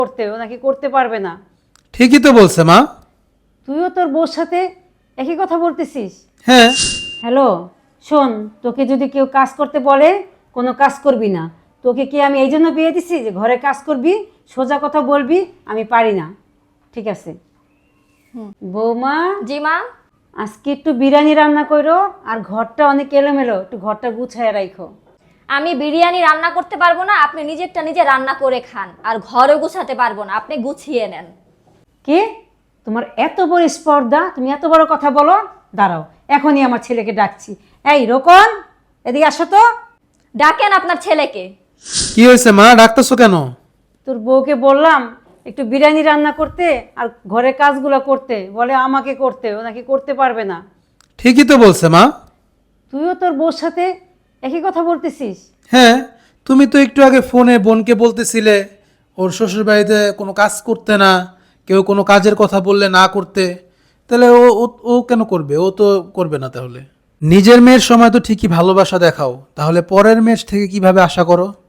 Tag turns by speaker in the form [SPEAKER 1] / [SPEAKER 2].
[SPEAKER 1] করতে, ও নাকি করতে পারবে না।
[SPEAKER 2] ঠিকই তো বলছে মা।
[SPEAKER 1] তুইও তোর বউর সাথে একই কথা বলতেছিস?
[SPEAKER 2] হ্যাঁ।
[SPEAKER 1] হ্যালো, শোন, তোকে যদি কেউ কাজ করতে বলে কোনো কাজ করবি না। তোকে কি আমি এই জন্য বিয়ে দিছি যে ঘরে কাজ করবি, সোজা কথা বলবি? আমি পারি না, ঠিক আছে? বৌমা,
[SPEAKER 3] জি মা।
[SPEAKER 1] আজকে একটু বিরিয়ানি রান্না করো, আর ঘরটা অনেক এলোমেলো, একটু ঘরটা গুছায় রাখো।
[SPEAKER 3] আমি বিরিয়ানি রান্না করতে পারবো না, আপনি নিজেরটা নিজে রান্না করে খান। আর ঘরে গুছাতে পারবো না, আপনি গুছিয়ে নেন।
[SPEAKER 1] কে? তোমার এত বড় স্পর্ধা, তুমি এত বড় কথা বলো? দাঁড়াও, এখনই আমার ছেলেকে ডাকছি। এই রোকন, এদিকে আসো তো।
[SPEAKER 3] ডাকেন আপনার ছেলেকে।
[SPEAKER 2] কি হয়েছে মা, ডাকতেছো কেন?
[SPEAKER 1] তোর বউকে বললাম একটু বিরিয়ানি রান্না করতে আর ঘরের কাজগুলো করতে, বলে আমাকে করতে, ও নাকি করতে পারবে না।
[SPEAKER 2] ঠিকই তো বলছে মা।
[SPEAKER 1] তুইও তোর বউর সাথে একই কথা বলতেছিস?
[SPEAKER 2] হ্যাঁ, তুমি তো একটু আগে ফোনে বোনকে বলতেছিলে ওর শ্বশুর বাড়িতে কোনো কাজ করতে না, কেউ কোনো কাজের কথা বললে না করতে। তাহলে ও ও ও কেন করবে? ও তো করবে না। তাহলে নিজের মেয়ের সময় তো ঠিকই ভালোবাসা দেখাও, তাহলে পরের মেয়ের থেকে কিভাবে আশা করো?